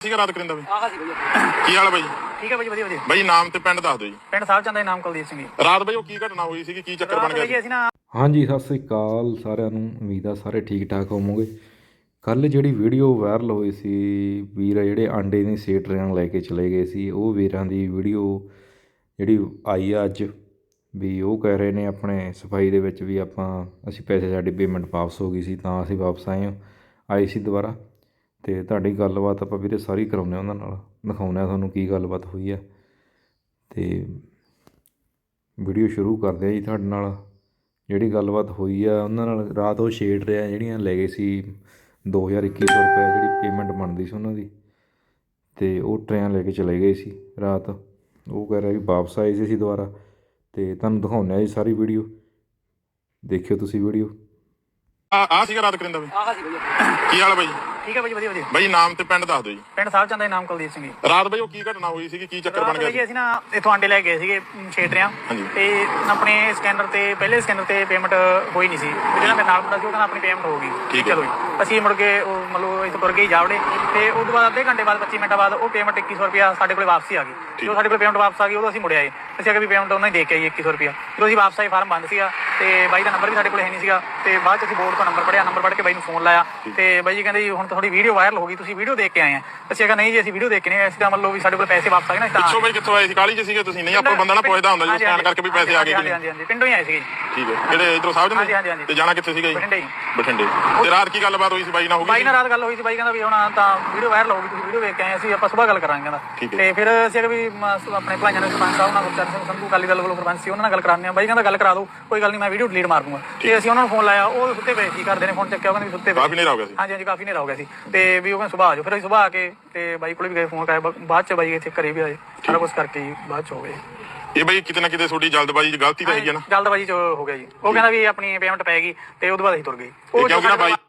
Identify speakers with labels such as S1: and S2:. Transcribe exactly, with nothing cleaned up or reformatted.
S1: ਠੀਕ ਹੈ ਰਾਤ ਕਰਿੰਦਾ ਬਈ
S2: ਆਹ ਸੀ ਬਈ
S1: ਕੀ ਹਾਲ ਹੈ ਬਾਈ?
S2: ਠੀਕ ਹੈ ਬਈ ਵਧੀਆ ਵਧੀਆ
S1: ਬਾਈ ਨਾਮ ਤੇ ਪਿੰਡ ਦੱਸ ਦਿਓ ਜੀ।
S2: ਪਿੰਡ ਸਾਹਿਬ ਚੰਦ ਦਾ ਨਾਮ ਕੁਲਦੀਪ ਸਿੰਘ ਜੀ।
S1: ਰਾਤ ਬਾਈ ਉਹ ਕੀ ਘਟਨਾ ਹੋਈ ਸੀਗੀ, ਕੀ ਚੱਕਰ ਬਣ ਗਿਆ ਸੀ?
S2: ਅਸੀਂ ਨਾ
S3: ਹਾਂਜੀ ਸਤਿ ਸ੍ਰੀ ਅਕਾਲ ਸਾਰਿਆਂ ਨੂੰ। ਉਮੀਦ ਆ ਸਾਰੇ ਠੀਕ ਠਾਕ ਹੋਵੋਗੇ। ਕੱਲ੍ਹ ਜਿਹੜੀ ਵੀਡੀਓ ਵਾਇਰਲ ਹੋਈ ਸੀ, ਵੀਰ ਆ ਜਿਹੜੇ ਆਂਡੇ ਦੀ ਸੇਟਰਿਆਂ ਲੈ ਕੇ ਚਲੇ ਗਏ ਸੀ, ਉਹ ਵੀਰਾਂ ਦੀ ਵੀਡੀਓ ਜਿਹੜੀ ਆਈ ਆ ਅੱਜ, ਵੀ ਉਹ ਕਹਿ ਰਹੇ ਨੇ ਆਪਣੇ ਸਫਾਈ ਦੇ ਵਿੱਚ ਵੀ ਆਪਾਂ ਅਸੀਂ ਪੈਸੇ ਸਾਡੀ ਪੇਮੈਂਟ ਵਾਪਸ ਹੋ ਗਈ ਸੀ ਤਾਂ ਅਸੀਂ ਵਾਪਸ ਆਏ ਹਾਂ ਆਏ ਸੀ ਦੁਬਾਰਾ। ਅਤੇ ਤੁਹਾਡੀ ਗੱਲਬਾਤ ਆਪਾਂ ਵੀਰੇ ਸਾਰੀ ਕਰਾਉਂਦੇ ਹਾਂ ਉਹਨਾਂ ਨਾਲ, ਦਿਖਾਉਂਦੇ ਹਾਂ ਤੁਹਾਨੂੰ ਕੀ ਗੱਲਬਾਤ ਹੋਈ ਆ। ਅਤੇ ਵੀਡੀਓ ਸ਼ੁਰੂ ਕਰਦੇ ਹਾਂ ਜੀ ਤੁਹਾਡੇ ਨਾਲ। ਜਿਹੜੀ ਗੱਲਬਾਤ ਹੋਈ ਆ ਉਹਨਾਂ ਨਾਲ, ਰਾਤ ਉਹ ਛੇੜ ਰਿਹਾ ਜਿਹੜੀਆਂ ਲੈ ਗਏ ਸੀ ਦੋ ਹਜ਼ਾਰ ਇੱਕੀ ਸੌ ਰੁਪਏ ਜਿਹੜੀ ਪੇਮੈਂਟ ਬਣਦੀ ਸੀ ਉਹਨਾਂ ਦੀ, ਅਤੇ ਉਹ ਟਰੇਨ ਲੈ ਕੇ ਚਲੇ ਗਏ ਸੀ ਰਾਤ। ਉਹ ਕਹਿ ਰਿਹਾ ਵੀ ਵਾਪਸ ਆਏ ਸੀ ਅਸੀਂ ਦੁਬਾਰਾ, ਅਤੇ ਤੁਹਾਨੂੰ ਦਿਖਾਉਂਦੇ ਹਾਂ ਜੀ ਸਾਰੀ ਵੀਡੀਓ, ਦੇਖਿਓ ਤੁਸੀਂ ਵੀਡੀਓ।
S1: ਆ ਆ ਸੀਗਾ ਰਾਤ ਕਰਿੰਦਾ ਬਈ
S2: ਆਹ ਸੀ ਬਈ
S1: ਕੀ ਹਾਲ ਹੈ ਬਾਈ?
S2: ਠੀਕ ਹੈ ਬਈ ਵਧੀਆ ਵਧੀਆ
S1: ਬਾਈ ਨਾਮ ਤੇ ਪਿੰਡ ਦੱਸ ਦਿਓ ਜੀ।
S2: ਪਿੰਡ ਸਾਹਿਬ ਚੰਦ ਦਾ ਨਾਮ ਕੁਲਦੀਪ ਸਿੰਘ ਜੀ।
S1: ਰਾਤ ਬਾਈ ਉਹ ਕੀ ਘਟਨਾ ਹੋਈ ਸੀਗੀ, ਕੀ ਚੱਕਰ ਬਣ
S2: ਰਾਤ
S1: ਗਿਆ
S2: ਬਈ
S1: ਸੀ?
S2: ਅਸੀਂ ਨਾ ਇੱਥੋਂ ਆਂਡੇ ਲੈ ਗਏ ਸੀਗੇ ਛੇਟਰਿਆਂ
S1: ਹਾਂਜੀ।
S2: ਤੇ ਆਪਣੇ ਸਕੈਨਰ ਤੇ ਪਹਿਲੇ ਸਕੈਨਰ ਤੇ ਪੇਮੈਂਟ ਹੋਈ ਨਹੀਂ ਸੀ, ਜਿਹੜਾ ਮੇਰੇ ਨਾਲ ਮੁੰਡਾ ਸੀ ਉਹ ਕਹਿੰਦਾ ਆਪਣੀ ਪੇਮੈਂਟ ਹੋ ਗਈ।
S1: ਠੀਕ ਹੈ।
S2: ਚਲੋ ਜੀ ਅਸੀਂ ਮੁੜ ਕੇ ਉਹ ਮਤਲਬ ਇੱਥੋਂ ਤੁਰ ਗਏ ਜਾਵੜੇ, ਤੇ ਉਸ ਤੋਂ ਬਾਅਦ ਅੱਧੇ ਘੰਟੇ ਬਾਅਦ ਪੱਚੀ ਮਿੰਟਾਂ ਬਾਅਦ ਉਹ ਪੇਮੈਂਟ ਇੱਕੀ ਸੌ ਰੁਪਇਆ ਸਾਡੇ ਕੋਲ ਵਾਪਸੀ ਆ ਗਈ। ਜਦੋਂ ਸਾਡੇ ਕੋਲ ਪੇਮੈਂਟ ਵਾਪਸ ਆ ਗਈ ਉਦੋਂ ਅਸੀਂ ਮੁੜ ਆਏ। ਅਸੀਂ ਅਗੇ ਵੀ ਪੇਮੈਂਟ ਉਹਨਾਂ ਹੀ ਦੇ ਕੇ ਆਈ ਇੱਕੀ ਸੌ ਰੁਪਇਆ। ਜਦੋਂ ਅਸੀਂ ਵਾਪਸ ਆਏ ਫਾਰਮ ਬੰਦ ਸੀਗਾ, ਤੇ ਬਾਈ ਦਾ ਨੰਬਰ ਵੀ ਸਾਡੇ ਕੋਲ ਹੈ ਨਹੀਂ ਸੀਗਾ, ਤੇ ਬਾਅਦ ਚ ਅਸੀਂ ਬੋਰਡ ਤੋਂ ਨੰਬਰ ਪੜਿਆ, ਨੰਬਰ ਪੜ੍ਹ ਕੇ ਬਾਈ ਨੂੰ ਫੋਨ ਲਾਇਆ, ਤੇ ਬਾਈ ਜੀ ਕਹਿੰਦੇ ਜੀ ਹੁਣ ਤੁਹਾਡੀ ਵੀਡੀਓ ਵਾਇਰਲ ਹੋ ਗਈ, ਤੁਸੀਂ ਵੀਡੀਓ ਦੇਖ ਕੇ ਆਏ ਆ। ਅਸੀਂ ਕਿਹਾ ਨਹੀਂ ਜੀ ਅਸੀਂ ਵੀਡੀਓ ਦੇਖ ਕੇ ਨਹੀਂ ਆਏ, ਅਸੀਂ ਤਾਂ ਮਤਲਬ ਵੀ ਸਾਡੇ ਕੋਲ ਪੈਸੇ ਵਾਪਸ ਆ ਗਏ ਨਾ ਤਾਂ।
S1: ਪਿੱਛੋਂ ਬਾਈ ਕਿੱਥੋਂ ਆਏ ਸੀ? ਕਾਲੀ ਚ ਸੀਗੇ ਤੁਸੀਂ? ਨਹੀਂ ਆਪਾਂ ਬੰਦਾ ਨਾ ਪੁੱਛਦਾ ਹੁੰਦਾ ਜੀ ਸਕੈਨ ਕਰਕੇ ਵੀ ਪੈਸੇ ਆ ਗਏ ਕਿ
S2: ਹਾਂਜੀ ਹਾਂਜੀ ਹਾਂਜੀ ਪਿੰਡੋਂ ਹੀ ਆਏ ਸੀਗੇ ਜੀ।
S1: ਠੀਕ ਹੈ। ਕਿਹੜੇ ਇਧਰੋਂ ਸਾਹਿਬ
S2: ਹਾਂਜੀ,
S1: ਜੰਦੇ?
S2: ਹਾਂਜੀ, ਹਾਂਜੀ।
S1: ਤੇ ਜਾਣਾ ਕਿੱਥੇ ਸੀਗਾ ਜੀ?
S2: ਬਠਿੰਡੇ ਜੀ।
S1: ਬਠਿੰਡੇ। ਤੇ ਰਾਤ ਕੀ ਗੱਲਬਾਤ ਹੋਈ ਸੀ ਬਾਈ ਨਾਲ? ਹੋ
S2: ਬਾਈ
S1: ਗਈ
S2: ਨਾਲ ਰਾਤ ਗੱਲ ਹੋਈ ਸੀ, ਬਾਈ ਕਹਿੰਦਾ ਵੀ ਹੁਣ ਤਾਂ ਵੀਡੀਓ ਵਾਇਰਲ ਹੋ ਗਈ, ਤੁਸੀਂ ਵੀਡੀਓ ਵੇਖ ਕੇ ਆਏ, ਅਸੀਂ ਆਪਾਂ ਸੁਬਾਹ ਗੱਲ ਕਰਾਂਗੇ ਕਹਿੰਦਾ।
S1: ਠੀਕ ਹੈ।
S2: ਤੇ ਫਿਰ ਅਸੀਂ ਵੀ ਮ- ਆਪਣੇ ਭਲਾਈਆਂ ਦੇ ਸਰਪੰਚ ਸਾਹਿਬ ਨਾਲ ਗੁਰਚਰਨ ਸਿੰਘ ਸੰਧੂ ਅਕਾਲੀ ਦਲ ਵੱਲੋਂ ਸਰਪੰਚ ਸੀ, ਉਹਨਾਂ ਨਾਲ ਗੱਲ ਕਰਾਉਂਦੇ ਆ। ਬਾਈ ਕਹਿੰਦਾ ਗੱਲ ਕਰਾ ਦਿਓ, ਕੋਈ ਗੱਲ ਨਹੀਂ, ਮੈਂ ਵੀਡੀਓ ਡਿਲੀਟ ਮਾਰ ਦੂੰਗਾ। ਤੇ ਅਸੀਂ ਉਹਨਾਂ ਨੂੰ ਫੋਨ ਲਾਇਆ, ਉਹ ਸੁੱਤੇ ਪਏ ਸੀ, ਘਰਦੇ ਨੇ ਫੋਨ ਚੱਕਿਆ, ਉਹ ਕਹਿੰਦੇ ਵੀ ਸੁੱਤੇ ਪਏ।
S1: ਕਾਫੀ ਹਨੇਰਾ ਹੋ ਗਿਆ ਸੀ।
S2: ਹਾਂਜੀ ਹਾਂਜੀ ਕਾਫੀ ਹਨੇਰਾ ਹੋ ਗਿਆ ਸੀ, ਤੇ ਵੀ ਉਹ ਕਹਿੰਦੇ ਸੁਬਾਹ ਆ ਜਾਓ। ਫਿਰ ਅਸੀਂ ਸੁਬਾਹ ਆ ਕੇ ਤੇ ਬਾਈ ਕੋਲ ਵੀ ਗਏ, ਫੋਨ ਕਰਾਇਆ, ਬਾਅਦ ਚ ਬਾਈ ਇੱਥੇ ਘਰੇ ਵੀ ਆਏ, ਸਾਰਾ ਕੁਝ ਕਰਕੇ ਹੀ ਬਾਅਦ ਚ ਹੋ ਗਏ।
S1: ਇਹ ਬਾਈ ਕਿਤੇ ਨਾ ਕਿਤੇ ਤੁਹਾਡੀ ਜਲਦਬਾਜ਼ੀ ਚ ਗਲਤੀ ਤਾਂ ਹੈਗੀ ਹੈ ਨਾ?
S2: ਜਲਦਬਾਜ਼ੀ ਚ ਹੋ ਗਿਆ ਜੀ। ਉਹ ਕਹਿੰਦਾ ਵੀ ਆਪਣੀ ਪੇਮੈਂਟ ਪੈ ਗਈ, ਤੇ ਉਹਦੇ ਬਾਅਦ ਅਸੀਂ ਤੁਰ ਗਏ।
S1: ਕਿਉਂਕਿ ਨਾ ਬਾਈ